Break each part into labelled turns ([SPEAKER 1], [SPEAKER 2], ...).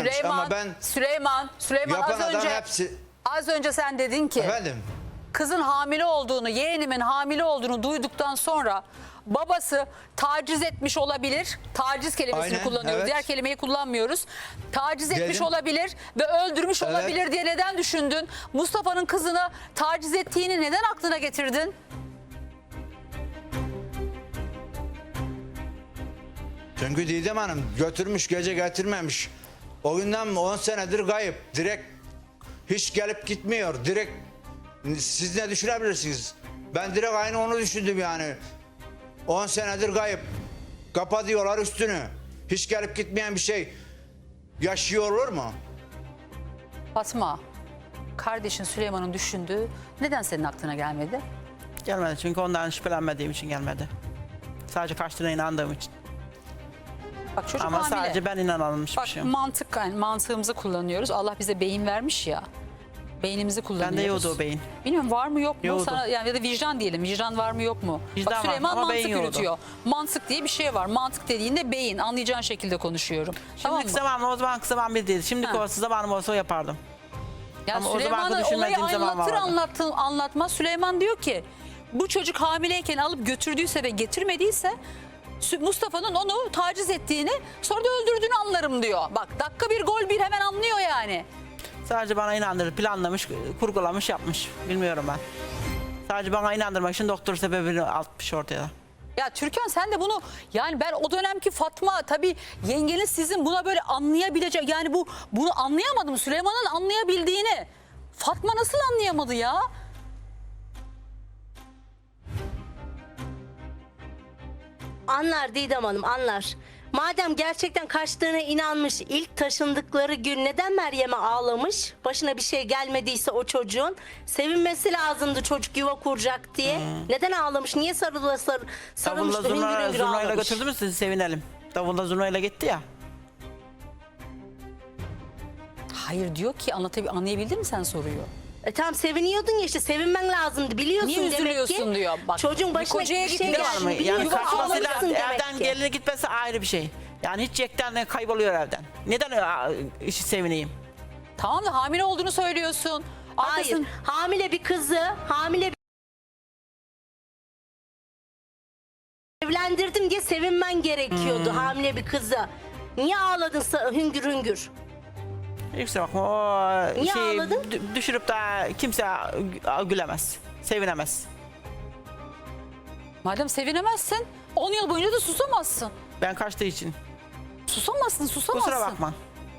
[SPEAKER 1] vermiş ama ben
[SPEAKER 2] Süleyman
[SPEAKER 1] yapan adam hepsi...
[SPEAKER 2] az önce sen dedin ki
[SPEAKER 1] Efendim?
[SPEAKER 2] kızın hamile olduğunu, yeğenimin hamile olduğunu duyduktan sonra babası taciz etmiş olabilir. Taciz kelimesini
[SPEAKER 1] Aynen,
[SPEAKER 2] kullanıyoruz.
[SPEAKER 1] evet.
[SPEAKER 2] Diğer kelimeyi kullanmıyoruz. Taciz etmiş
[SPEAKER 1] Dedim.
[SPEAKER 2] olabilir ve öldürmüş
[SPEAKER 1] Evet.
[SPEAKER 2] olabilir diye neden düşündün? Mustafa'nın kızını taciz ettiğini neden aklına getirdin?
[SPEAKER 1] Çünkü Didem Hanım götürmüş gece getirmemiş. O günden 10 senedir kayıp. Direkt hiç gelip gitmiyor. Direkt siz ne düşünebilirsiniz? Ben direkt aynı onu düşündüm yani. 10 senedir kayıp. Kapatıyorlar üstünü. Hiç gelip gitmeyen bir şey yaşıyor olur mu?
[SPEAKER 2] Fatma, kardeşin Süleyman'ın düşündüğü neden senin aklına gelmedi?
[SPEAKER 3] Gelmedi çünkü ondan şüphelenmediğim için gelmedi. Sadece kaçtığına inandığım için.
[SPEAKER 2] Bak çocuk
[SPEAKER 3] Ama
[SPEAKER 2] hamile.
[SPEAKER 3] sadece ben inanılmışmışım.
[SPEAKER 2] Bak mantığımızı kullanıyoruz. Allah bize beyin vermiş ya. Beynimizi kullanıyoruz.
[SPEAKER 3] Bende yoktu o beyin.
[SPEAKER 2] Bilmiyorum var mı yok mu?
[SPEAKER 3] Yoktu.
[SPEAKER 2] Sana, yani ya da vicdan diyelim. Vicdan var mı yok mu?
[SPEAKER 3] Vicdan
[SPEAKER 2] Bak
[SPEAKER 3] var
[SPEAKER 2] Süleyman
[SPEAKER 3] ama
[SPEAKER 2] mantık
[SPEAKER 3] beyin yoktu.
[SPEAKER 2] yürütüyor. Mantık diye bir şey var. Mantık dediğinde beyin. Anlayacağın şekilde konuşuyorum. Tamam
[SPEAKER 3] Şimdiki
[SPEAKER 2] mı?
[SPEAKER 3] zamanım o zaman kısa bir değil. Şimdiki
[SPEAKER 2] Ha.
[SPEAKER 3] olsa zamanım olsa o yapardım.
[SPEAKER 2] Yani
[SPEAKER 3] Ama o zamanki
[SPEAKER 2] Süleyman'ı olayı
[SPEAKER 3] düşünmediğim zaman vardı.
[SPEAKER 2] anlatmaz. Süleyman diyor ki bu çocuk hamileyken alıp götürdüyse ve getirmediyse Mustafa'nın onu taciz ettiğini sonra da öldürdüğünü anlarım diyor. Bak dakika bir gol bir hemen anlıyor yani.
[SPEAKER 3] Sadece bana inandırıp planlamış, kurgulamış, yapmış. Bilmiyorum ben. Sadece bana inandırmak için doktor sebebini atmış ortaya.
[SPEAKER 2] Ya Türkan sen de bunu yani ben o dönemki Fatma tabii yengeniz sizin buna böyle anlayabilecek yani bunu anlayamadım Süleyman'ın anlayabildiğini. Fatma nasıl anlayamadı ya?
[SPEAKER 4] Anlar Didem Hanım, anlar. Madem gerçekten kaçtığına inanmış, ilk taşındıkları gün neden Meryem'e ağlamış? Başına bir şey gelmediyse o çocuğun sevinmesi lazımdı, çocuk yuva kuracak diye. Neden ağlamış? Niye sarılmış
[SPEAKER 3] Davulla
[SPEAKER 4] da hüngür hüngür
[SPEAKER 3] zurnayla
[SPEAKER 4] ağlamış?
[SPEAKER 3] götürdü mü sizi sevinelim. Davulla zurnayla gitti ya.
[SPEAKER 2] Hayır diyor ki anlayabildin mi sen soruyu?
[SPEAKER 4] Tamam seviniyordun ya işte, sevinmen lazımdı, biliyorsun
[SPEAKER 2] Niye
[SPEAKER 4] demek ki.
[SPEAKER 2] üzülüyorsun diyor. Bak,
[SPEAKER 4] Çocuğun
[SPEAKER 2] bir
[SPEAKER 4] başına
[SPEAKER 2] kocaya
[SPEAKER 4] bir şey
[SPEAKER 2] gitti
[SPEAKER 3] Var mı?
[SPEAKER 4] geldi,
[SPEAKER 3] Yani
[SPEAKER 4] biliyorsun,
[SPEAKER 3] kaçmasıyla
[SPEAKER 4] ağlamışsın
[SPEAKER 3] evden
[SPEAKER 4] demek ki.
[SPEAKER 3] geline gitmesi ayrı bir şey. Yani hiç yekten kayboluyor evden. Neden işi sevineyim?
[SPEAKER 2] Tamam da hamile olduğunu söylüyorsun.
[SPEAKER 4] Hayır, hamile bir kızı, evlendirdim diye sevinmen gerekiyordu hamile bir kızı. Niye ağladın hüngür hüngür?
[SPEAKER 3] Yüksek bakma o
[SPEAKER 4] Niye
[SPEAKER 3] şeyi
[SPEAKER 4] ağladın?
[SPEAKER 3] düşürüp de kimse gülemez. Sevinemez.
[SPEAKER 2] Madem sevinemezsin 10 yıl boyunca da susamazsın.
[SPEAKER 3] Ben kaçtığı için.
[SPEAKER 2] Susamazsın.
[SPEAKER 3] Kusura bakma.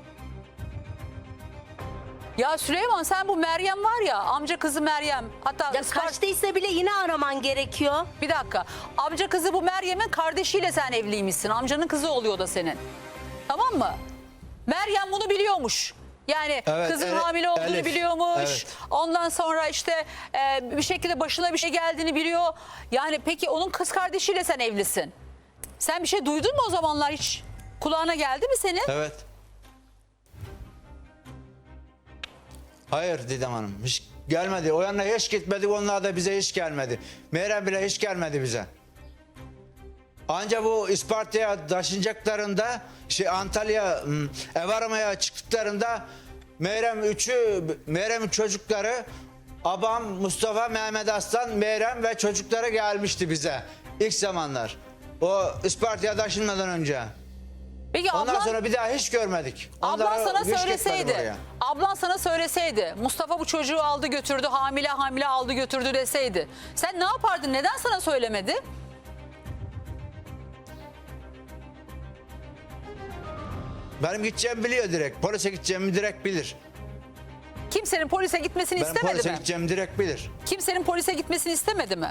[SPEAKER 2] Ya Süleyman sen bu Meryem var ya amca kızı Meryem. Hatta
[SPEAKER 4] Ya kaçtıysa bile yine araman gerekiyor.
[SPEAKER 2] bir dakika. Amca kızı bu Meryem'in kardeşiyle sen evliymişsin. Amcanın kızı oluyor da senin. Tamam mı? Meryem bunu biliyormuş. Yani
[SPEAKER 1] Evet,
[SPEAKER 2] kızın hamile olduğunu
[SPEAKER 1] Elif.
[SPEAKER 2] biliyormuş.
[SPEAKER 1] Evet.
[SPEAKER 2] Ondan sonra işte bir şekilde başına bir şey geldiğini biliyor. Yani peki onun kız kardeşiyle sen evlisin. Sen bir şey duydun mu o zamanlar hiç? Kulağına geldi mi senin?
[SPEAKER 1] Evet. Hayır Didem Hanım hiç gelmedi. O yana hiç gitmedik, onlar da bize hiç gelmedi. Meyrem bile hiç gelmedi bize. Anca bu İsparta'ya taşınacaklarında Antalya ev aramaya çıktıklarında Meyrem'in çocukları abam Mustafa, Mehmet Aslan, Meyrem ve çocukları gelmişti bize ilk zamanlar. O İsparta'ya taşınmadan önce.
[SPEAKER 2] Peki
[SPEAKER 1] Ondan sonra bir daha hiç görmedik.
[SPEAKER 2] Ablan
[SPEAKER 1] Onlara
[SPEAKER 2] sana
[SPEAKER 1] hiç gitmedim
[SPEAKER 2] söyleseydi,
[SPEAKER 1] oraya.
[SPEAKER 2] ablan sana söyleseydi, Mustafa bu çocuğu aldı götürdü, hamile aldı götürdü deseydi, sen ne yapardın? Neden sana söylemedi?
[SPEAKER 1] Benim gideceğimi biliyor direkt. Polise gideceğimi direkt bilir.
[SPEAKER 2] Kimsenin polise gitmesini
[SPEAKER 1] Benim
[SPEAKER 2] istemedi
[SPEAKER 1] polise
[SPEAKER 2] mi?
[SPEAKER 1] gideceğimi direkt bilir.
[SPEAKER 2] Kimsenin polise gitmesini istemedi mi?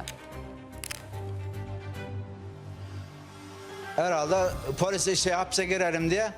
[SPEAKER 1] Herhalde polise hapse girerim diye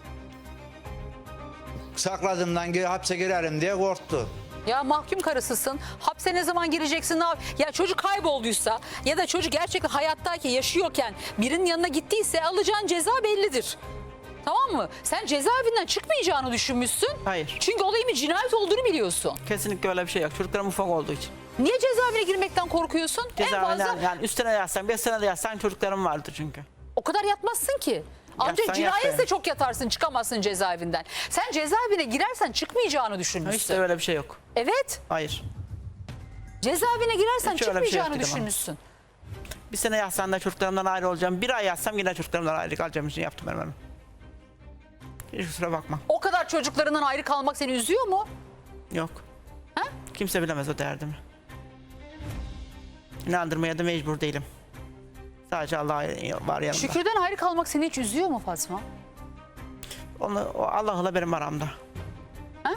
[SPEAKER 1] sakladığımdan hapse girerim diye korktu.
[SPEAKER 2] Ya mahkum karısısın. Hapse ne zaman gireceksin? Ya çocuk kaybolduysa ya da çocuk gerçekten hayattayken, yaşıyorken birinin yanına gittiyse alacağın ceza bellidir. Tamam mı? Sen cezaevinden çıkmayacağını düşünmüşsün.
[SPEAKER 3] Hayır.
[SPEAKER 2] Çünkü olayın bir cinayet olduğunu biliyorsun.
[SPEAKER 3] Kesinlikle öyle bir şey yok. Çocuklarım ufak olduğu için.
[SPEAKER 2] Niye cezaevine girmekten korkuyorsun? En fazla
[SPEAKER 3] Yani üstüne yazsan 5 sene de yazsan çocuklarım vardır çünkü.
[SPEAKER 2] o kadar yatmazsın ki. Ancak
[SPEAKER 3] Yatsan
[SPEAKER 2] cinayetse
[SPEAKER 3] yat be.
[SPEAKER 2] çok yatarsın, çıkamazsın cezaevinden. Sen cezaevine girersen çıkmayacağını düşünmüşsün.
[SPEAKER 3] Hiç de öyle bir şey yok.
[SPEAKER 2] Evet.
[SPEAKER 3] Hayır.
[SPEAKER 2] Cezaevine girersen
[SPEAKER 3] Hiç öyle bir şey yok
[SPEAKER 2] çıkmayacağını
[SPEAKER 3] dedim ama.
[SPEAKER 2] düşünmüşsün.
[SPEAKER 3] Bir sene yatsam da çocuklarımdan ayrı olacağım. Bir ay yatsam yine çocuklarımdan ayrı kalacağım için yaptım ben onu. Hiç kusura bakma.
[SPEAKER 2] O kadar çocuklarından ayrı kalmak seni üzüyor mu?
[SPEAKER 3] Yok.
[SPEAKER 2] Ha?
[SPEAKER 3] Kimse bilemez o derdimi. İnandırmaya da mecbur değilim. Sadece Allah var yanımda.
[SPEAKER 2] Şükürden ayrı kalmak seni hiç üzüyor mu Fatma?
[SPEAKER 3] O Allah'la benim aramda.
[SPEAKER 2] Ha?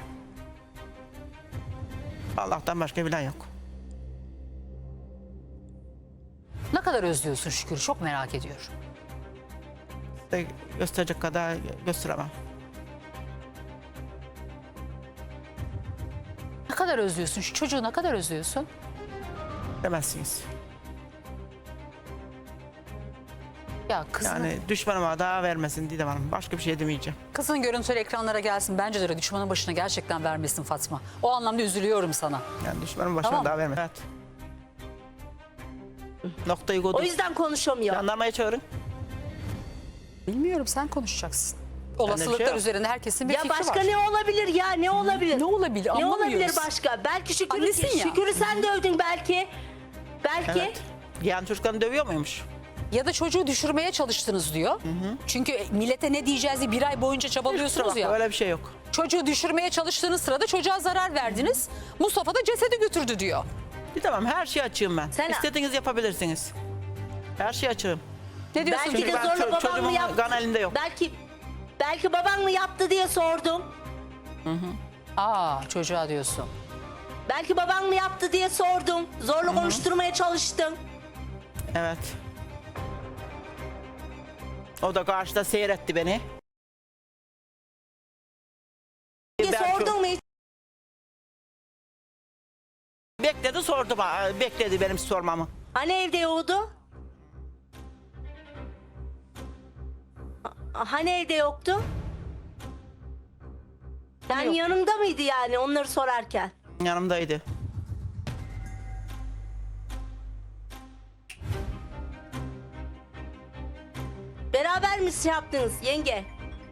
[SPEAKER 3] Allah'tan başka bilen yok.
[SPEAKER 2] Ne kadar özlüyorsun Şükür'ü, çok merak ediyorum.
[SPEAKER 3] Size gösterecek kadar gösteremem.
[SPEAKER 2] Ne kadar özlüyorsun? Şu çocuğu ne kadar özlüyorsun?
[SPEAKER 3] Demezsiniz.
[SPEAKER 2] Ya kızın,
[SPEAKER 3] Yani düşmanıma daha vermesin Didem Hanım. Başka bir şey demeyeceğim.
[SPEAKER 2] kızın görüntüleri ekranlara gelsin. Bence de öyle düşmanın başına gerçekten vermesin Fatma. O anlamda üzülüyorum sana.
[SPEAKER 3] Yani düşmanın başına
[SPEAKER 2] Tamam.
[SPEAKER 3] daha vermesin. Evet. Noktayı koyduk.
[SPEAKER 4] O yüzden konuşamıyor.
[SPEAKER 3] Jandarmaya çağırın.
[SPEAKER 2] Bilmiyorum, sen konuşacaksın.
[SPEAKER 3] bir şey
[SPEAKER 2] Olasılıklar
[SPEAKER 3] yok.
[SPEAKER 2] üzerinde herkesin bir
[SPEAKER 4] Ya
[SPEAKER 2] fikri
[SPEAKER 4] başka
[SPEAKER 2] var.
[SPEAKER 4] ne olabilir ya, ne olabilir?
[SPEAKER 2] Ne olabilir?
[SPEAKER 4] Ne
[SPEAKER 2] Anlamıyoruz.
[SPEAKER 4] olabilir başka? Belki
[SPEAKER 2] Annesin ya.
[SPEAKER 4] Şükür'ü sen dövdün belki. Belki.
[SPEAKER 3] Evet. Yani çocuklarını dövüyor muymuş?
[SPEAKER 2] Ya da çocuğu düşürmeye çalıştınız diyor. Çünkü millete ne diyeceğiz diye bir ay boyunca çabalıyorsunuz
[SPEAKER 3] Kusura
[SPEAKER 2] ya.
[SPEAKER 3] bakma, öyle bir şey yok.
[SPEAKER 2] Çocuğu düşürmeye çalıştığınız sırada çocuğa zarar verdiniz. Mustafa da cesedi götürdü diyor.
[SPEAKER 3] Tamam, her şeyi açığım ben.
[SPEAKER 4] Sen-
[SPEAKER 3] İstediğiniz yapabilirsiniz. Her şeyi açığım.
[SPEAKER 2] Ne diyorsun?
[SPEAKER 4] Belki de
[SPEAKER 3] Çünkü ben
[SPEAKER 4] zorla baban mı
[SPEAKER 3] çocuğumun
[SPEAKER 4] yaptı?
[SPEAKER 3] kan elinde yok.
[SPEAKER 4] Belki baban mı yaptı diye sordum.
[SPEAKER 2] Aa, çocuğa diyorsun.
[SPEAKER 4] Belki baban mı yaptı diye sordum. Zorla konuşturmaya çalıştım.
[SPEAKER 3] Evet. O da karşıda seyretti beni.
[SPEAKER 4] Diye
[SPEAKER 3] Ben
[SPEAKER 4] sordun mu hiç?
[SPEAKER 3] Bekledi sordu bana. Bekledi benim sormamı.
[SPEAKER 4] Hani evde yoktu? Hani evde yoktu? Yani
[SPEAKER 2] yok?
[SPEAKER 4] yanımda mıydı yani onları sorarken?
[SPEAKER 3] Yanımdaydı.
[SPEAKER 4] Beraber mi şey yaptınız yenge?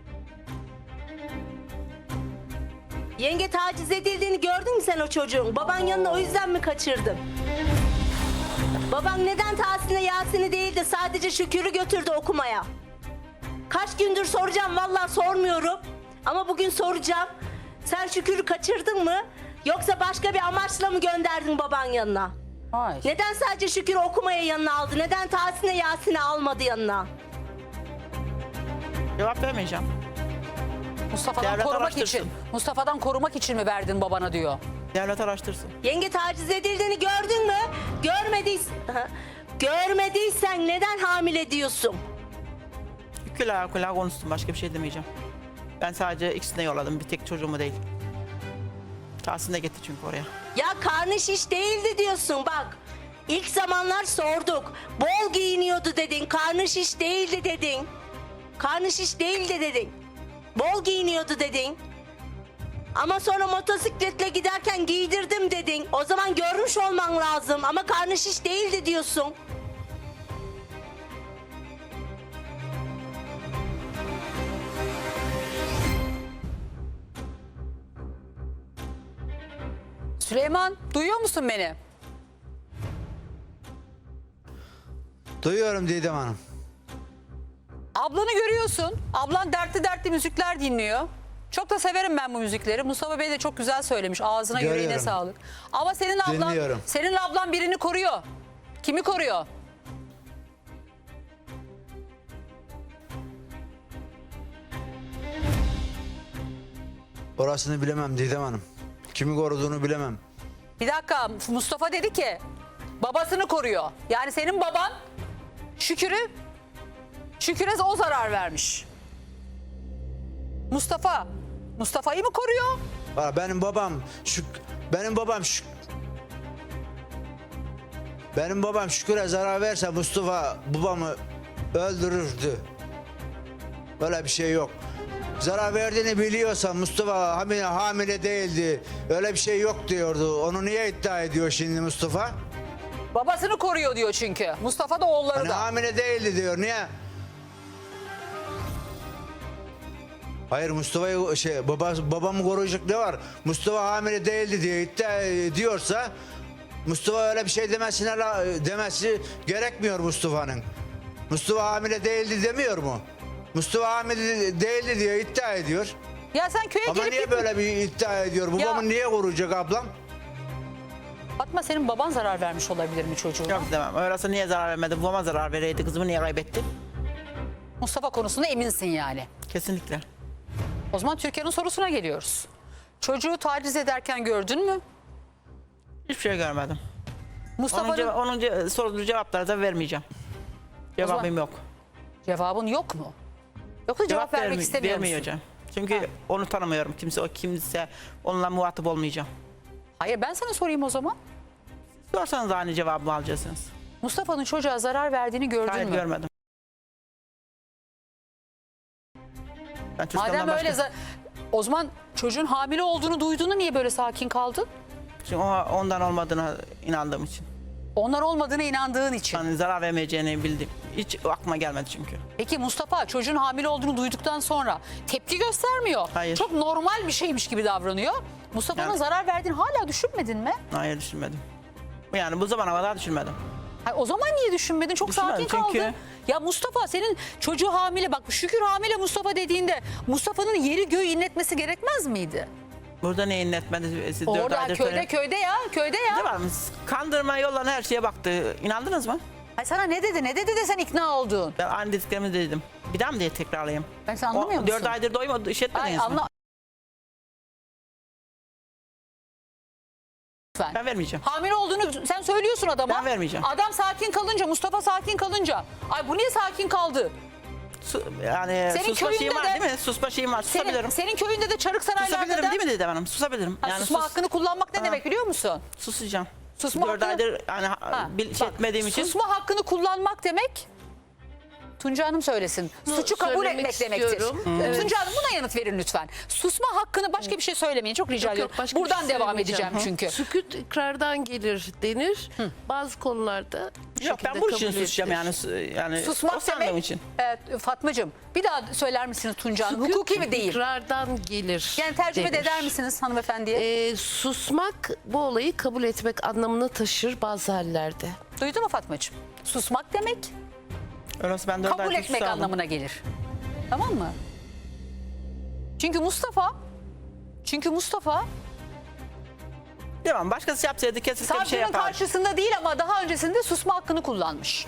[SPEAKER 4] Yenge taciz edildiğini gördün mü sen o çocuğun? Baban yanına o yüzden mi kaçırdın? Baban neden Tahsin'e Yasin'i değil de sadece Şükür'ü götürdü okumaya? Kaç gündür soracağım, vallahi sormuyorum. Ama bugün soracağım. Sen Şükür'ü kaçırdın mı? Yoksa başka bir amaçla mı gönderdin baban yanına?
[SPEAKER 2] Hayır.
[SPEAKER 4] Neden sadece Şükür'ü okumaya yanına aldı? Neden Tahsin'e Yasin'i almadı yanına?
[SPEAKER 3] Cevap vermeyeceğim.
[SPEAKER 2] Mustafa'dan
[SPEAKER 3] Devlet
[SPEAKER 2] korumak
[SPEAKER 3] araştırsın.
[SPEAKER 2] için. Mustafa'dan korumak için mi verdin babana diyor.
[SPEAKER 3] Devlet araştırsın.
[SPEAKER 4] Yenge taciz edildiğini gördün mü? Görmediysen neden hamile diyorsun?
[SPEAKER 3] Kulağa konuştum. Başka bir şey demeyeceğim. Ben sadece ikisine yolladım. Bir tek çocuğumu değil. Tahsin de gitti çünkü oraya.
[SPEAKER 4] Ya karnı şiş değildi diyorsun bak. İlk zamanlar sorduk. Bol giyiniyordu dedin. Karnı şiş değildi dedin. Karnı şiş değildi dedin. Bol giyiniyordu dedin. Ama sonra motosikletle giderken giydirdim dedin. O zaman görmüş olman lazım. Ama karnı şiş değildi diyorsun.
[SPEAKER 2] Süleyman, duyuyor musun beni?
[SPEAKER 1] Duyuyorum Didem Hanım.
[SPEAKER 2] Ablanı görüyorsun. Ablan dertli dertli müzikler dinliyor. Çok da severim ben bu müzikleri. Mustafa Bey de çok güzel söylemiş. Ağzına yüreğine
[SPEAKER 1] Görüyorum.
[SPEAKER 2] sağlık. Ama
[SPEAKER 1] Dinliyorum.
[SPEAKER 2] senin ablan birini koruyor. Kimi koruyor?
[SPEAKER 1] Orasını bilemem Didem Hanım. Kimi koruduğunu bilemem.
[SPEAKER 2] Bir dakika, Mustafa dedi ki babasını koruyor. Yani senin baban Şükür'e o zarar vermiş. Mustafa'yı mı koruyor?
[SPEAKER 1] Benim babam Şükür'e zarar verse Mustafa babamı öldürürdü. Böyle bir şey yok. Zarar verdiğini biliyorsa Mustafa hamile değildi. Öyle bir şey yok diyordu. Onu niye iddia ediyor şimdi Mustafa?
[SPEAKER 2] Babasını koruyor diyor çünkü. Mustafa da oğulları
[SPEAKER 1] Hani
[SPEAKER 2] da.
[SPEAKER 1] hamile değildi diyor. Niye? Hayır, Mustafa'yı babamı koruyacak ne var? Mustafa hamile değildi diye iddia ediyorsa Mustafa öyle bir şey demesi gerekmiyor Mustafa'nın. Mustafa hamile değildi demiyor mu? Mustafa hamile değildi diye iddia ediyor.
[SPEAKER 2] Ya sen köye
[SPEAKER 1] Ama
[SPEAKER 2] gelip
[SPEAKER 1] niye böyle bir iddia ediyor? Babamı niye koruyacak ablam?
[SPEAKER 2] Fatma, senin baban zarar vermiş olabilir mi çocuğuna?
[SPEAKER 3] Yok demem. Öyleyse niye zarar vermedi? Babama zarar vereydi. Kızımı niye kaybetti?
[SPEAKER 2] Mustafa konusunda eminsin yani.
[SPEAKER 3] Kesinlikle.
[SPEAKER 2] O zaman Türkiye'nin sorusuna geliyoruz. Çocuğu taciz ederken gördün mü?
[SPEAKER 3] Hiçbir şey görmedim.
[SPEAKER 2] Mustafa'nın
[SPEAKER 3] Onun sorduğu cevapları da vermeyeceğim. Cevabım yok.
[SPEAKER 2] cevabın yok mu? Yoksa cevap vermek istemiyor musun?
[SPEAKER 3] Vermeyeceğim. Çünkü onu tanımıyorum. Kimse onunla muhatap olmayacağım.
[SPEAKER 2] Hayır, ben sana sorayım o zaman.
[SPEAKER 3] Sorsanız da aynı cevabımı alacaksınız.
[SPEAKER 2] Mustafa'nın çocuğa zarar verdiğini gördün
[SPEAKER 3] Hayır
[SPEAKER 2] mü?
[SPEAKER 3] görmedim. Ben çocuklarımdan
[SPEAKER 2] Madem öyle
[SPEAKER 3] başka-
[SPEAKER 2] o zaman çocuğun hamile olduğunu duyduğunu niye böyle sakin kaldın?
[SPEAKER 3] Çünkü ondan olmadığına inandığım için.
[SPEAKER 2] Onlar olmadığına inandığın için.
[SPEAKER 3] Yani zarar vermeyeceğini bildim. Hiç aklıma gelmedi çünkü.
[SPEAKER 2] Peki Mustafa çocuğun hamile olduğunu duyduktan sonra tepki göstermiyor.
[SPEAKER 3] Hayır.
[SPEAKER 2] Çok normal bir şeymiş gibi davranıyor. Mustafa'nın
[SPEAKER 3] Yani-
[SPEAKER 2] zarar verdiğini hala düşünmedin mi?
[SPEAKER 3] Hayır düşünmedim. Yani bu zamana kadar düşünmedim.
[SPEAKER 2] Hayır, o zaman niye düşünmedin? Çok
[SPEAKER 3] Düşünmedim
[SPEAKER 2] sakin
[SPEAKER 3] çünkü-
[SPEAKER 2] kaldın. Ya Mustafa, senin çocuğu hamile, bak Şükür hamile Mustafa dediğinde Mustafa'nın yeri göğü inletmesi gerekmez miydi?
[SPEAKER 3] Burada ne inletmedi? Siz 4
[SPEAKER 2] Orada
[SPEAKER 3] aydır
[SPEAKER 2] köyde
[SPEAKER 3] söyleyin.
[SPEAKER 2] köyde ya köyde ya.
[SPEAKER 3] Ne var mı? Kandırma yollarına her şeye baktı. İnandınız mı?
[SPEAKER 2] Ay sana ne dedi de sen ikna oldun.
[SPEAKER 3] Ben aynı dediklerimi dedim. Bir daha mı diye tekrarlayayım?
[SPEAKER 2] Ben sen anlamıyor musun?
[SPEAKER 3] 4 aydır doymadı,
[SPEAKER 2] Ay
[SPEAKER 3] işletmediniz mi?
[SPEAKER 2] anla. Lütfen.
[SPEAKER 3] Ben vermeyeceğim.
[SPEAKER 2] Hamile olduğunu sen söylüyorsun adama.
[SPEAKER 3] Ben vermeyeceğim.
[SPEAKER 2] Adam sakin kalınca, Mustafa sakin kalınca. Ay bu niye sakin kaldı?
[SPEAKER 3] Yani
[SPEAKER 2] Senin
[SPEAKER 3] susma şeyim
[SPEAKER 2] köyünde
[SPEAKER 3] var
[SPEAKER 2] de-
[SPEAKER 3] değil mi? Susma şeyim var. Susabilirim.
[SPEAKER 2] Senin köyünde de Çarıksaraylar'da
[SPEAKER 3] Susabilirim
[SPEAKER 2] da
[SPEAKER 3] değil mi Didem Hanım? Susabilirim.
[SPEAKER 2] Ha, susma hakkını kullanmak ne
[SPEAKER 3] Ha.
[SPEAKER 2] demek biliyor musun?
[SPEAKER 3] Susacağım.
[SPEAKER 2] Susma
[SPEAKER 3] 4
[SPEAKER 2] hakkını-
[SPEAKER 3] aydır yani şey
[SPEAKER 2] Bak,
[SPEAKER 3] etmediğim için.
[SPEAKER 2] Susma hakkını kullanmak demek, Tunca Hanım söylesin, suçu kabul
[SPEAKER 5] söylemek
[SPEAKER 2] etmek demektir.
[SPEAKER 5] istiyorum. Evet.
[SPEAKER 2] Tunca Hanım buna yanıt verin lütfen. Susma hakkını, başka bir şey söylemeyin, çok rica
[SPEAKER 5] Yok,
[SPEAKER 2] ediyorum.
[SPEAKER 5] başka bir
[SPEAKER 2] Buradan
[SPEAKER 5] şey
[SPEAKER 2] devam
[SPEAKER 5] söylemeyeceğim.
[SPEAKER 2] edeceğim çünkü.
[SPEAKER 5] Sükût ikrardan gelir denir. Bazı konularda bu
[SPEAKER 3] Yok ben
[SPEAKER 5] şekilde
[SPEAKER 3] bu için
[SPEAKER 5] kabul
[SPEAKER 3] susacağım
[SPEAKER 5] edilir.
[SPEAKER 3] yani
[SPEAKER 2] Susmak
[SPEAKER 3] o sandığım
[SPEAKER 2] demek,
[SPEAKER 3] için.
[SPEAKER 2] Fatmacığım bir daha söyler misiniz Tunca Hanım?
[SPEAKER 5] Sükût
[SPEAKER 2] Hukuki mi değil?
[SPEAKER 5] ikrardan gelir
[SPEAKER 2] Yani tercüme de
[SPEAKER 5] denir.
[SPEAKER 2] eder misiniz hanımefendiye?
[SPEAKER 5] Susmak bu olayı kabul etmek anlamını taşır bazı hallerde.
[SPEAKER 2] Duydu mu Fatmacığım? Susmak demek,
[SPEAKER 3] Öyleyse ben 4
[SPEAKER 2] kabul
[SPEAKER 3] aydır
[SPEAKER 2] etmek
[SPEAKER 3] susardım.
[SPEAKER 2] anlamına gelir. Tamam mı? Çünkü Mustafa
[SPEAKER 3] Tamam başkası yapsaydı kesinlikle bir şey
[SPEAKER 2] savcının
[SPEAKER 3] yapardı.
[SPEAKER 2] karşısında değil ama daha öncesinde susma hakkını kullanmış.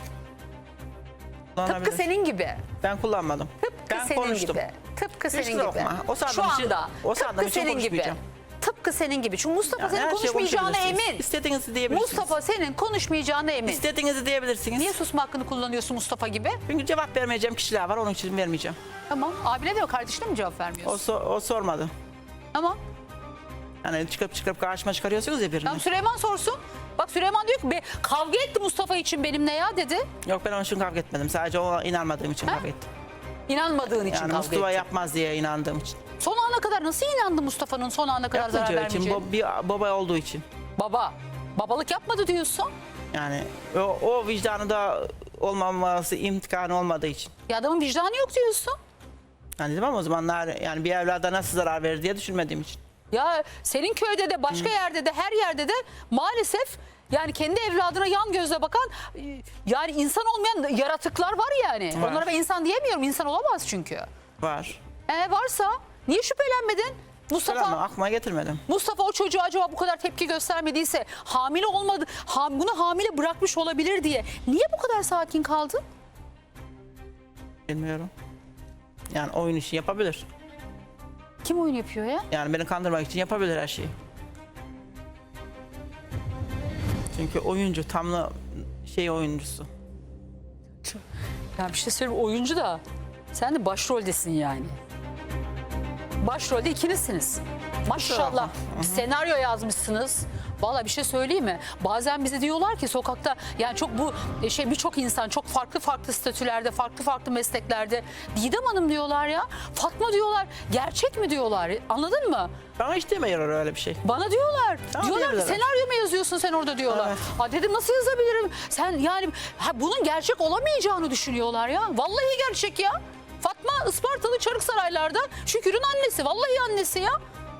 [SPEAKER 2] Tıpkı
[SPEAKER 3] Kullanabilir.
[SPEAKER 2] senin gibi.
[SPEAKER 3] Ben kullanmadım.
[SPEAKER 2] Tıpkı
[SPEAKER 3] Ben
[SPEAKER 2] senin
[SPEAKER 3] konuştum.
[SPEAKER 2] gibi. Tıpkı
[SPEAKER 3] Hiç
[SPEAKER 2] senin gibi.
[SPEAKER 3] korkma. O sandığım
[SPEAKER 2] Şu
[SPEAKER 3] için-
[SPEAKER 2] anda.
[SPEAKER 3] o sandığım
[SPEAKER 2] Tıpkı
[SPEAKER 3] için
[SPEAKER 2] senin gibi.
[SPEAKER 3] konuşmayacağım.
[SPEAKER 2] Tıpkı senin gibi. Çünkü Mustafa
[SPEAKER 3] Yani
[SPEAKER 2] senin
[SPEAKER 3] her şeyi
[SPEAKER 2] konuşmayacağına
[SPEAKER 3] konuşabilirsiniz.
[SPEAKER 2] emin.
[SPEAKER 3] İstediğinizi diyebilirsiniz.
[SPEAKER 2] Mustafa senin konuşmayacağına emin.
[SPEAKER 3] İstediğinizi diyebilirsiniz.
[SPEAKER 2] Niye susma hakkını kullanıyorsun Mustafa gibi?
[SPEAKER 3] Çünkü cevap vermeyeceğim kişiler var onun için vermeyeceğim.
[SPEAKER 2] Tamam. Abine de kardeşine mi cevap vermiyorsun?
[SPEAKER 3] O sormadı.
[SPEAKER 2] Tamam.
[SPEAKER 3] Yani çıkıp karşıma çıkarıyorsunuz ya birini.
[SPEAKER 2] Tamam, Süleyman sorsun. Bak Süleyman diyor ki kavga etti Mustafa için benimle ya dedi.
[SPEAKER 3] Yok ben onun için kavga etmedim. Sadece o inanmadığım için kavga ettim.
[SPEAKER 2] İnanmadığın için
[SPEAKER 3] Yani
[SPEAKER 2] kavga
[SPEAKER 3] Mustafa
[SPEAKER 2] etti.
[SPEAKER 3] yapmaz diye inandığım için.
[SPEAKER 2] Son ana kadar nasıl inandı Mustafa'nın son ana kadar zarar
[SPEAKER 3] Yapmayacağı için,
[SPEAKER 2] vermeyeceğine?
[SPEAKER 3] bir baba olduğu için.
[SPEAKER 2] Babalık yapmadı diyorsun.
[SPEAKER 3] Yani o vicdanı da olmaması imtihanı olmadığı için.
[SPEAKER 2] Ya adamın vicdanı yok diyorsun.
[SPEAKER 3] Yani dedim ama o zamanlar yani bir evlada nasıl zarar verir diye düşünmediğim için.
[SPEAKER 2] Ya senin köyde de başka yerde de her yerde de maalesef yani kendi evladına yan gözle bakan yani insan olmayan yaratıklar var yani.
[SPEAKER 3] Var.
[SPEAKER 2] Onlara ben insan diyemiyorum. İnsan olamaz çünkü.
[SPEAKER 3] Var.
[SPEAKER 2] Varsa niye şüphelenmedin?
[SPEAKER 3] Selam aklıma getirmedim.
[SPEAKER 2] Mustafa o çocuğa acaba bu kadar tepki göstermediyse hamile olmadı, bunu hamile bırakmış olabilir diye niye bu kadar sakin kaldın?
[SPEAKER 3] Bilmiyorum. Yani oyun işi yapabilir.
[SPEAKER 2] Kim oyun yapıyor ya?
[SPEAKER 3] Yani beni kandırmak için yapabilir her şeyi. Çünkü oyuncu tamlı oyuncusu.
[SPEAKER 2] Ya bir şey söyleyeyim, oyuncu da sen de başroldesin yani. Başrolde ikinizsiniz. Maşallah. Bir senaryo yazmışsınız. Vallahi bir şey söyleyeyim mi? Bazen bize diyorlar ki sokakta yani çok bu birçok insan çok farklı statülerde, farklı mesleklerde. Didem Hanım diyorlar ya. Fatma diyorlar. Gerçek mi diyorlar? Anladın mı?
[SPEAKER 3] Bana hiç demiyor öyle bir şey.
[SPEAKER 2] Bana diyorlar.
[SPEAKER 3] Tamam,
[SPEAKER 2] Diyorlar ki
[SPEAKER 3] diyebilirler.
[SPEAKER 2] senaryo mu yazıyorsun sen orada diyorlar.
[SPEAKER 3] Evet.
[SPEAKER 2] Ha dedim nasıl yazabilirim? Sen yani bunun gerçek olamayacağını düşünüyorlar ya. Vallahi gerçek ya. Fatma Ispartalı Çarıksaraylar'da Şükür'ün annesi. Vallahi annesi ya.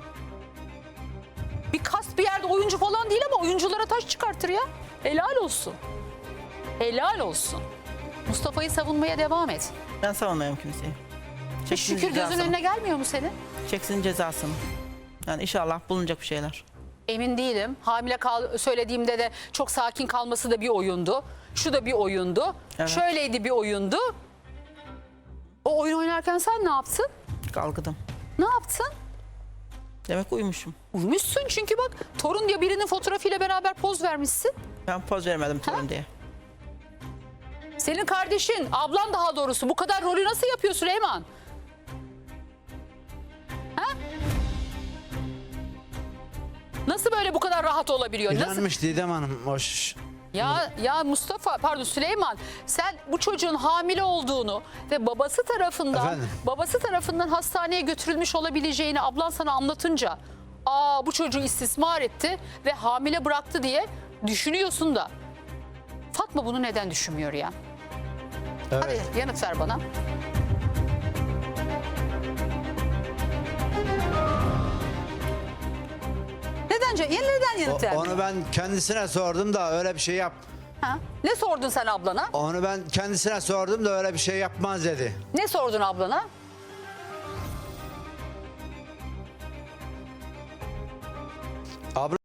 [SPEAKER 2] Bir kast bir yerde oyuncu falan değil ama oyunculara taş çıkartır ya. Helal olsun. Helal olsun. Mustafa'yı savunmaya devam et.
[SPEAKER 3] Ben savunmuyorum kimseyi.
[SPEAKER 2] Hiç
[SPEAKER 3] Çeksin
[SPEAKER 2] Şükür gözün
[SPEAKER 3] cezasını.
[SPEAKER 2] önüne gelmiyor mu senin?
[SPEAKER 3] Çeksin cezasını. Yani inşallah bulunacak bir şeyler.
[SPEAKER 2] Emin değilim. Hamile söylediğimde de çok sakin kalması da bir oyundu. Şu da bir oyundu.
[SPEAKER 3] Evet.
[SPEAKER 2] Şöyleydi bir oyundu. O oyun oynarken sen ne yaptın?
[SPEAKER 3] Kalkıdım.
[SPEAKER 2] Ne yaptın?
[SPEAKER 3] Demek uyumuşum.
[SPEAKER 2] Uyumuşsun çünkü bak torun diye birinin fotoğrafıyla beraber poz vermişsin.
[SPEAKER 3] Ben poz vermedim torun diye.
[SPEAKER 2] Senin kardeşin, ablan daha doğrusu bu kadar rolü nasıl yapıyor Süleyman? Ha? Nasıl böyle bu kadar rahat olabiliyor? Nasıl?
[SPEAKER 1] İnanmış Didem Hanım.
[SPEAKER 2] Ya Mustafa pardon Süleyman sen bu çocuğun hamile olduğunu ve babası tarafından hastaneye götürülmüş olabileceğini ablan sana anlatınca bu çocuğu istismar etti ve hamile bıraktı diye düşünüyorsun da Fatma bunu neden düşünmüyor ya?
[SPEAKER 1] Evet.
[SPEAKER 2] Hadi yanıt ver bana. Neden yanıt vermiyor?
[SPEAKER 1] Onu ben kendisine sordum da öyle bir şey yap.
[SPEAKER 2] Ha? Ne sordun sen ablana?
[SPEAKER 1] Onu ben kendisine sordum da öyle bir şey yapmaz dedi.
[SPEAKER 2] Ne sordun ablana?
[SPEAKER 1] Abla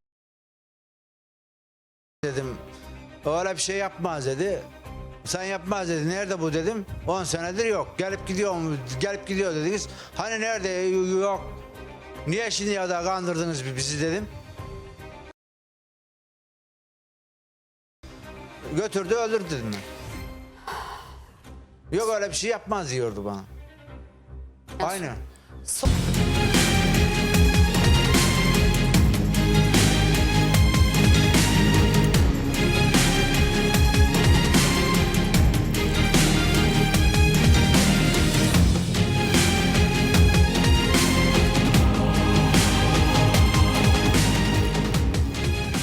[SPEAKER 1] dedim. Öyle bir şey yapmaz dedi. Sen yapmaz dedi. Nerede bu dedim. 10 senedir yok. Gelip gidiyor mu? Gelip gidiyor dediniz. Hani nerede? Yok. Niye şimdi ya da kandırdınız bizi dedim. Götürdü öldürdü dedim ben. Yok öyle bir şey yapmaz diyordu bana. Aynen.
[SPEAKER 2] So-